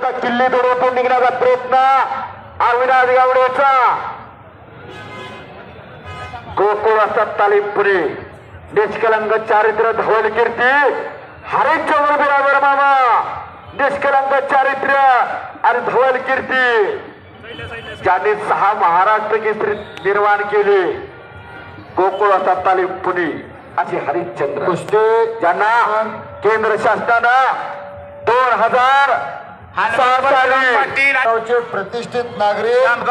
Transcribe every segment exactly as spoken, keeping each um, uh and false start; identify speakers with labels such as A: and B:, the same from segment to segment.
A: आता किल्ली दोडवून निघण्याचा प्रयत्न अविनाश गावडेचा. गोकुळ असतात तालीम पुणे. निष्कलंक चारित्र्य धवल कीर्ती हरिश्चंद्र बिराबर मामा. निष्कलंक चारित्र्य आणि धवल कीर्ती ज्यांनी सहा महाराष्ट्र केसरी निर्माण केले. गोकुळ असतात तालीम पुणे अशी हरिश्चंद्र कुस्ती ज्यांना केंद्र शासनानं दोन हजार
B: साली प्रतिष्ठित नागरिक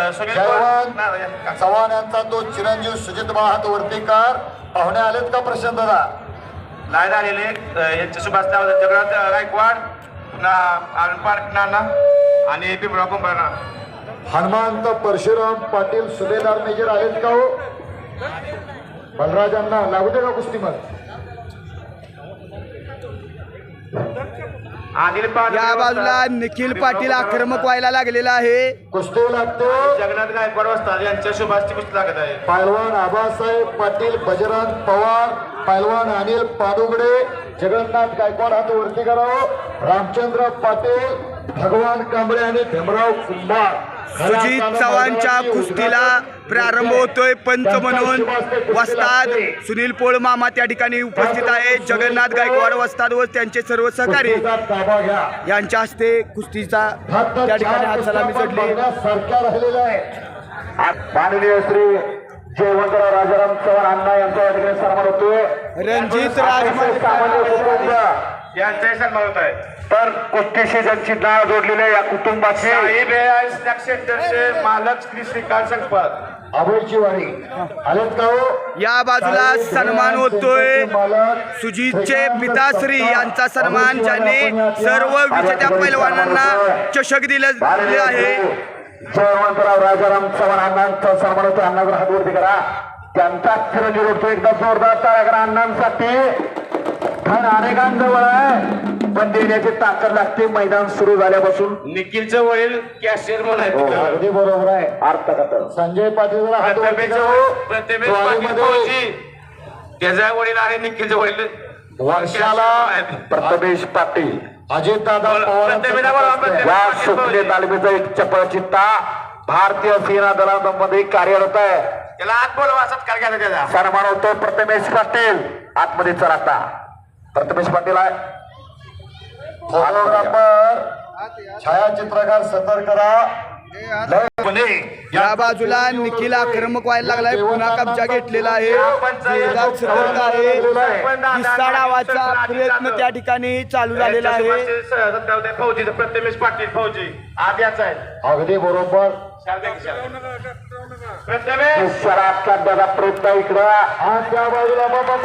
B: चव्हाण यांचा तो चिरंजीव सुजित हात वर्तीकर पाहुणे आलेत का प्रशांत दादा?
C: नाही झालेले यांचे सुभाष जगन्नाथ गायकवाड पार्क नाना आणि पिंपळा कुंभारना.
B: हनुमंत परशुराम पाटील सुभेदार मेजर आलेत का हो? बलराजांना लागू दे का कुस्ती मग?
D: या बाजूला निखिल पाटील आक्रमक व्हायला लागलेला आहे.
B: कुस्ती लागतो
C: जगन्नाथ गायकवाड वस्ताद यांच्या शुभासची कुस्ती लागत आहे.
B: पैलवान आबासाहेब पाटील, बजरंग पवार, पैलवान अनिल पाडुगडे, जगन्नाथ गायकवाड हात वरती करावं, रामचंद्र पाटील, भगवान कांबळे आणि भीमराव कुंभार.
D: सुजित चव्हाणच्या कुस्तीला प्रारंभ होतोय. पंच म्हणून वस्ताद सुनील पोळ मामा त्या ठिकाणी उपस्थित आहे. जगन्नाथ गायकवाड वस्ताद व त्यांचे सर्व सहकारी यांच्या हस्ते कुस्तीचा त्या ठिकाणी हात सलामी चढली.
B: सारख्या राहिलेला आहे.
A: माननीय श्री जयवंतराव राजाराम चव्हाण अण्णा यांचा या ठिकाणी सन्मान होतोय.
D: रणजित राजमाने
A: सामान्य कुटुंब
C: यांचाही सन्मान होत आहे.
A: तर कुस्तीशी ज्यांची नाव जोडलेल्या या कुटुंबाची
C: साहेब सेंटरचे मालक श्री श्रीकांत संकपाळ
B: अभयची वारी आलेत का हो?
D: या बाजूला सन्मान होतोय. सुजितचे पिताश्री यांचा सन्मान ज्यांनी सर्व विजेत्या पैलवानांना चषक दिले आहे.
A: जयवंतराव राजाराम चव्हाण अण्णांचा सन्मान होतो. अण्णावर हात वरती करा. त्यांचा चिरंजीव होतो. एकदा जोरदार टाळ्या करा अण्णांसाठी. धन अनेकांजवळ आहे पण देण्याची ताकद लागते. मैदान सुरू झाल्यापासून
C: निखिलचं वडील कॅशियर म्हणून आहे.
B: अगदी बरोबर आहे.
A: अर्थ कथन
B: संजय पाटील हात वरती
C: प्रथमेश पाटील फौजी त्याचा वडील आहे. निखिलचं वडील
B: वर्षाला
A: प्रथमेश पाटील
B: अजित दादा पवार
A: या सुटले तालमीचा एक चपळ चित्ता भारतीय सेना दलामध्ये कार्यरत आहे.
C: त्याला आत बोलवा असत काय घ्यायला त्याचा
A: सन्मान होतो. प्रथमेश पाटील आतमध्ये चला. प्रथमेश पाटील आहे.
B: फोटोग्राफर छायाचित्रकार सतर्क करा.
D: या बाजूला निखिल आक्रमक व्हायला लागलाय. पुन्हा कब्जा घेतलेला आहे. जोरदार सतर्क आहे. किस्सा डावाचा प्रयत्न त्या ठिकाणी चालू झालेला आहे.
C: फौजीचं प्रथमेश पाटील फौजी आद्याच आहे.
B: अगदी बरोबर.
C: प्रथमेश
A: शराब काढण्याचा प्रयत्न इकडं
B: हा त्या बाजूला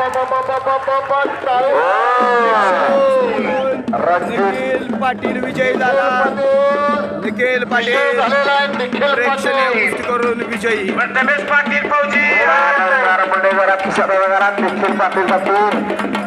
D: निखिल पाटील विजय झाला. निखिल पाटील प्रेक्षणीय कुस्ती करून विजयी.
C: प्रथमेश पाटील फौजी
A: मंडळी जरा खिशात निखिल पाटील